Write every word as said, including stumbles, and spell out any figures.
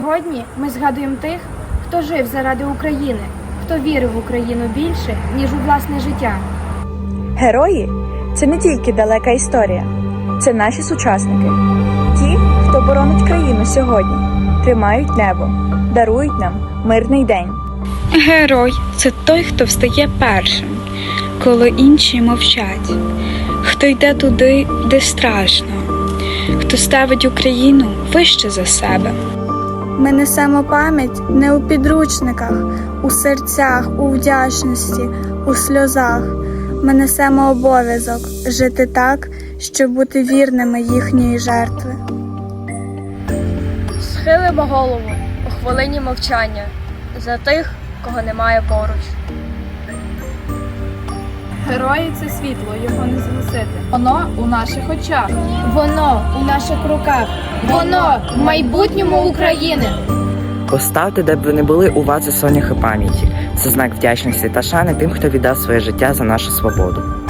Сьогодні ми згадуємо тих, хто жив заради України, хто вірив в Україну більше, ніж у власне життя. Герої – це не тільки далека історія, це наші сучасники. Ті, хто боронить країну сьогодні, тримають небо, дарують нам мирний день. Герой – це той, хто встає першим, коли інші мовчать, хто йде туди, де страшно, хто ставить Україну вище за себе. Ми несемо пам'ять не у підручниках, у серцях, у вдячності, у сльозах. Ми несемо обов'язок жити так, щоб бути вірними їхньої жертви. Схилимо голову у хвилині мовчання за тих, кого немає поруч. Герої – це світло, його не згасити. Воно у наших очах. Воно у наших руках. Воно в майбутньому України. Поставте, де б ви не були, у вазу соняхи пам'яті. Це знак вдячності та шани тим, хто віддав своє життя за нашу свободу.